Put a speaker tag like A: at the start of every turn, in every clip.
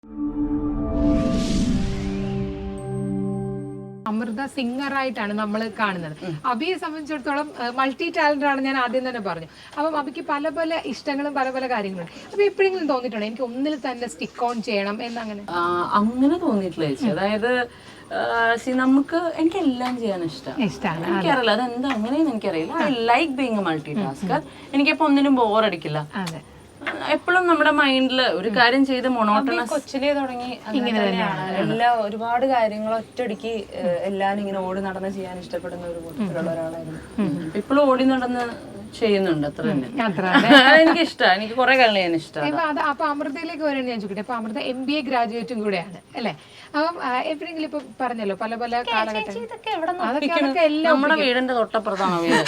A: അമൃത സിംഗറായിട്ടാണ് നമ്മൾ കാണുന്നത്. അബിയെ സംബന്ധിച്ചിടത്തോളം മൾട്ടി ടാലന്റ് ആണ്, ഞാൻ ആദ്യം തന്നെ പറഞ്ഞു. അപ്പം അബിക്ക് പല പല ഇഷ്ടങ്ങളും പല പല കാര്യങ്ങളുണ്ട്. അപ്പൊ എപ്പോഴെങ്കിലും തോന്നിയിട്ടുണ്ടോ എനിക്ക് ഒന്നിൽ തന്നെ സ്റ്റിക്ക് ഓൺ ചെയ്യണം എന്നങ്ങനെ?
B: അങ്ങനെ തോന്നിയിട്ടില്ല ചേച്ചി. അതായത് നമുക്ക് എനിക്ക് എല്ലാം ചെയ്യാൻ ഇഷ്ടമാണ്. എനിക്കറിയില്ല അതെന്താ അങ്ങനെയെന്ന് എനിക്കറിയില്ല. I like being a multitasker. എനിക്കിപ്പോ ഒന്നിനും ബോറടിക്കില്ല. എപ്പോഴും നമ്മുടെ മൈൻഡില് ഒരു കാര്യം ചെയ്ത് മൊണോട്ടണസ്
C: കൊച്ചിലേ തുടങ്ങി എല്ലാ ഒരുപാട് കാര്യങ്ങൾ ഒറ്റയടിക്ക് എല്ലാരും ഇങ്ങനെ ഓടി നടന്ന് ചെയ്യാൻ ഇഷ്ടപ്പെടുന്ന ഒരു കൂട്ടത്തിലുള്ള ഒരാളായിരുന്നു.
B: ഇപ്പോഴും ഓടി നടന്ന് ചെയ്യുന്നുണ്ട്. അത്ര തന്നെ എനിക്ക് ഇഷ്ടമാണ്. എനിക്ക് കുറെ കാര്യങ്ങൾ ചെയ്യാൻ ഇഷ്ടമാണ്.
A: അപ്പൊ അമൃതയിലേക്ക് വരാൻ ഞാൻ ചോദിക്കട്ടെ. അപ്പൊ അമൃത MBA ഗ്രാജുവേറ്റും കൂടെയാണ് അല്ലെ? അപ്പം എപ്പോഴെങ്കിലും ഇപ്പൊ പറഞ്ഞല്ലോ പല പല കാലഘട്ടം അതൊക്കെ എല്ലാം
B: നമ്മുടെ വീടിന്റെ തൊട്ടപ്പുറത്താണ് വീട്.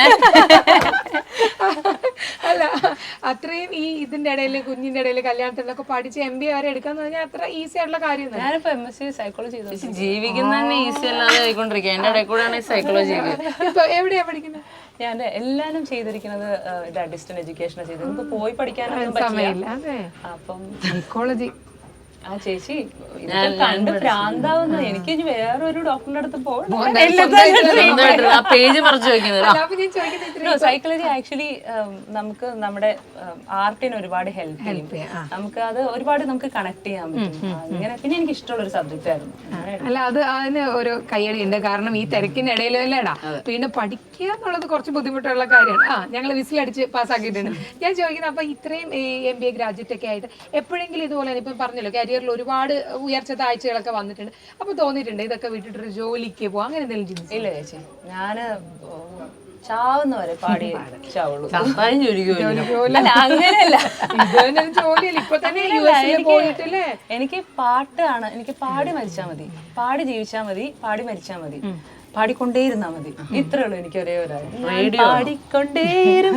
A: അല്ല അത്രയും ഈ ഇതിന്റെ ഇടയിൽ കുഞ്ഞിന്റെ ഇടയിൽ കല്യാണത്തിനൊക്കെ പഠിച്ച് MBA വരെ എടുക്കാന്ന് പറഞ്ഞാൽ അത്ര ഈസി ആയിട്ടുള്ള കാര്യം.
C: ഞാനിപ്പോ MSc സൈക്കോളജി
B: ജീവിക്കുന്ന തന്നെ ഈസി അല്ലാതെ ആയിക്കൊണ്ടിരിക്കുക. എന്റെ ഇടയിൽ കൂടെയാണ് ഈ സൈക്കോളജി.
A: ഇപ്പൊ എവിടെയാ പഠിക്കുന്നത്?
C: ഞാൻ എല്ലാരും ചെയ്തിരിക്കുന്നത് ഡിസ്റ്റന്റ് എഡ്യൂക്കേഷനാണ് ചെയ്തത്. നമുക്ക് പോയി പഠിക്കാനൊന്നും
A: സമയമില്ല.
C: അപ്പം
A: സൈക്കോളജി
C: ആ ചേച്ചി കണ്ട് ഭ്രാന്താവുന്ന എനിക്ക് ഇനി വേറൊരു ഡോക്ടറിന്റെ അടുത്ത് പോകണം.
B: പേജ് മറിച്ച് വെക്കുന്നത്
C: സൈക്കോളജി ആക്ച്വലി നമുക്ക് നമ്മുടെ ആർട്ടിന് ഒരുപാട് ഹെൽപ്പ് ചെയ്യും. നമുക്ക് അത് ഒരുപാട് നമുക്ക് കണക്ട് ചെയ്യാൻ പറ്റും. അങ്ങനെ പിന്നെ എനിക്ക് ഇഷ്ടമുള്ള ഒരു സബ്ജക്റ്റ് ആയിരുന്നു.
A: അല്ല അത് അതിന് ഒരു കയ്യടി ഉണ്ട്. കാരണം ഈ തിരക്കിന്റെ ഇടയിലല്ലേടാ പിന്നെ പഠിക്കുക എന്നുള്ളത് കുറച്ച് ബുദ്ധിമുട്ടുള്ള കാര്യമാണ്. ഞങ്ങൾ വിസിലടിച്ച് പാസ്സാക്കിയിട്ടുണ്ട്. ഞാൻ ചോദിക്കുന്നത് അപ്പൊ ഇത്രയും MBA ഗ്രാജുവേറ്റ് ഒക്കെ ആയിട്ട് എപ്പോഴെങ്കിലും ഇതുപോലെ ഇപ്പം പറഞ്ഞല്ലോ കരിയറിൽ ഒരുപാട് ഉയർച്ച താഴ്ചകളൊക്കെ വന്നിട്ടുണ്ട്. അപ്പൊ തോന്നിയിട്ടുണ്ട് ഇതൊക്കെ വിട്ടിട്ടൊരു ജോലിക്ക് പോവാം അങ്ങനെ എന്തെങ്കിലും ചിന്തിച്ചു?
C: ഇല്ല ചേച്ചി, ഞാന് ചാവുന്നവരെ പാടി ചാവുള്ളൂ. അങ്ങനെയല്ല,
A: ഇപ്പൊ തന്നെ
C: എനിക്ക് പാട്ടാണ്. എനിക്ക് പാടി മരിച്ചാ മതി, പാടി ജീവിച്ചാ മതി, പാടി മരിച്ചാ മതി, പാടിക്കൊണ്ടേയിരുന്നാ മതി. ഇത്രേ ഉള്ളൂ എനിക്ക് ഒരേ ഒരു പാടിക്കൊണ്ടേരും.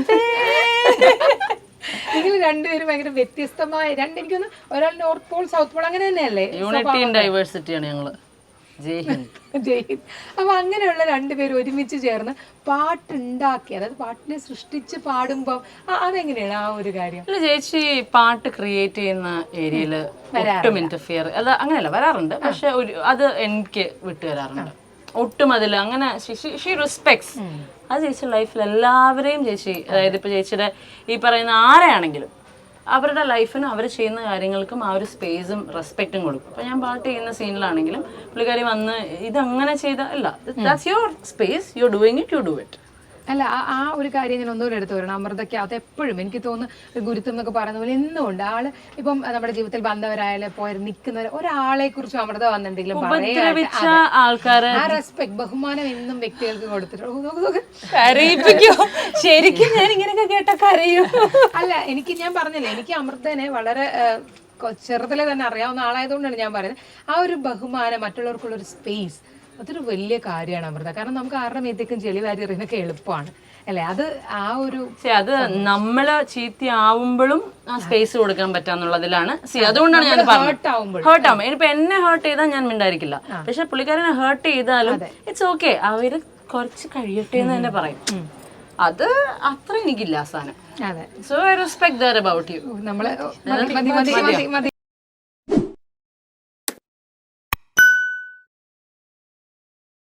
A: നിങ്ങൾ രണ്ടുപേരും ഭയങ്കര വ്യത്യസ്തമായ എനിക്കൊന്ന് ഒരാൾ നോർത്ത് പോൾ സൗത്ത് പോൾ അങ്ങനെ തന്നെയല്ലേ?
B: യൂണിറ്റി ആൻഡ് ഡൈവേഴ്സിറ്റിയാണ് ഞങ്ങള്. ജയ് ഹിന്ദ്.
A: അപ്പൊ അങ്ങനെയുള്ള രണ്ടുപേരും ഒരുമിച്ച് ചേർന്ന് പാട്ടുണ്ടാക്കി, അതായത് പാട്ടിനെ സൃഷ്ടിച്ച് പാടുമ്പോ അതെങ്ങനെയാണ് ആ ഒരു കാര്യം?
B: അല്ല ചേച്ചി, പാട്ട് ക്രിയേറ്റ് ചെയ്യുന്ന ഏരിയയില് ഒട്ടും ഇന്റർഫിയർ അല്ല, അങ്ങനെയല്ല വരാറുണ്ട്. പക്ഷെ അത് എനിക്ക് വിട്ടുവരാറുണ്ട്. ഒട്ടും അതിൽ അങ്ങനെ ഷീ റെസ്പെക്ട്സ്. അത് ചേച്ചി ലൈഫിൽ എല്ലാവരെയും ചേച്ചി, അതായത് ഇപ്പൊ ചേച്ചിയുടെ ഈ പറയുന്ന ആരെയാണെങ്കിലും അവരുടെ ലൈഫിനും അവർ ചെയ്യുന്ന കാര്യങ്ങൾക്കും ആ ഒരു സ്പേസും റെസ്പെക്റ്റും കൊടുക്കും. അപ്പൊ ഞാൻ പാട്ട് ചെയ്യുന്ന സീനിലാണെങ്കിലും പുള്ളിക്കാരി വന്ന് ഇതങ്ങനെ ചെയ്ത അല്ല, that's your space, you are doing it, you do it.
A: അല്ല ആ ഒരു കാര്യം ഞാൻ ഒന്നുകൂടെ എടുത്തു വരണം. അമൃതയ്ക്ക് അത് എപ്പോഴും എനിക്ക് തോന്നുന്നു ഗുരുത്വം എന്നൊക്കെ പറയുന്ന പോലെ എന്നുമുണ്ട്. ആള് ഇപ്പം നമ്മുടെ ജീവിതത്തിൽ ബന്ധവരായാലും പോയി നിൽക്കുന്നവർ ഒരാളെ കുറിച്ച് അമൃത വന്നെന്തെങ്കിലും
B: ആൾക്കാരെ
A: ആ റെസ്പെക്ട് ബഹുമാനം എന്നും വ്യക്തികൾക്ക് കൊടുത്തിട്ടുണ്ട്.
C: ശരിക്കും ഞാൻ ഇങ്ങനെയൊക്കെ കേട്ട കരയും.
A: അല്ല ഞാൻ പറഞ്ഞില്ലേ, എനിക്ക് അമൃതനെ വളരെ ചെറുതിലെ തന്നെ അറിയാവുന്ന ആളായതുകൊണ്ടാണ് ഞാൻ പറയുന്നത്. ആ ഒരു ബഹുമാനം, മറ്റുള്ളവർക്കുള്ള ഒരു സ്പേസ്, അതൊരു വലിയ കാര്യമാണ് അമൃത. കാരണം നമുക്ക് ആരുടെ മേത്തേക്കും ചെളി വാരി എറിയുന്നൊക്കെ എളുപ്പമാണ് അല്ലെ? അത് ആ ഒരു
B: അത് നമ്മള് ചീത്തയാവുമ്പോഴും ആ സ്പേസ് കൊടുക്കാൻ പറ്റാന്നുള്ളതിലാണ്. അതുകൊണ്ടാണ് ഞാൻ ഹേർട്ട് ആവുമ്പോൾ ഇനിയിപ്പോ എന്നെ ഹേർട്ട് ചെയ്താൽ ഞാൻ മിണ്ടായിരിക്കില്ല. പക്ഷെ പുള്ളിക്കാരനെ ഹേർട്ട് ചെയ്താലും ഇറ്റ്സ് ഓക്കെ, അവര് കുറച്ച് കഴിയട്ടെ എന്ന് തന്നെ പറയും. അത് അത്ര എനിക്കില്ല സാധനം. So I respect that about you.
A: നമ്മള്